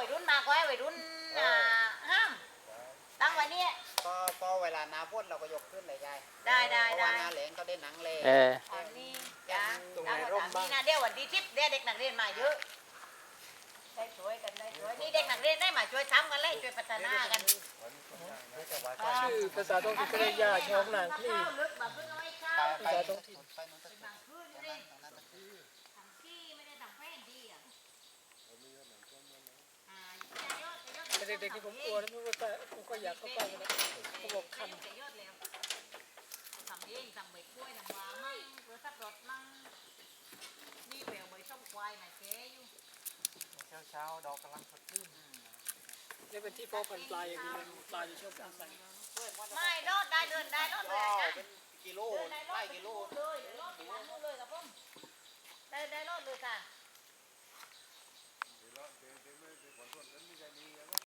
วัยรุ่นมาก็ให้วัยรุ่นห้ามตั้งไว้เนี่ยก็เวลาหน้าฝนเราก็ยกขึ้นเลยยายได้เพราะว่าหน้าแล้งก็ได้หนังเลยอันนี้จ้าตั้งไว้ตามนี้นะเดี๋ยววันที่10เดี๋ยวเด็กนักเรียนมาเยอะได้ช่วยกันได้ช่วยนี่เด็กนักเรียนได้มาช่วยทำกันเลยช่วยพัฒนากันชื่อภาษาท้องถิ่นก็เรียกยาช่องนางนี่ลึกแบบเพิ่งเอาไว้ข้าวภาษาท้องถิ่นบางพื้นเลยทำที่ไม่ได้ทำแป้นดีอ่ะแต่เด็กๆที่ผมกลัวนะผมก็อยากเข้าไปนะเขาบอกคันทำเองทำใบกล้วยทำวามั่งเพื่อสับรถมั่งนี่แปลวใบส้มควายมาแก่อยู่เช้าดอกกำลังสดชื่นนี่เป็นที่เพาะพันธุ์ปลาอย่างนี้ปลาจะชอบอาศัยไม่รอดได้เดินได้รอดเลยนะเป็นกิโลไล่กิโลเลยรอดไปวันนู้นเลยครับผมได้รอดเลยค่ะ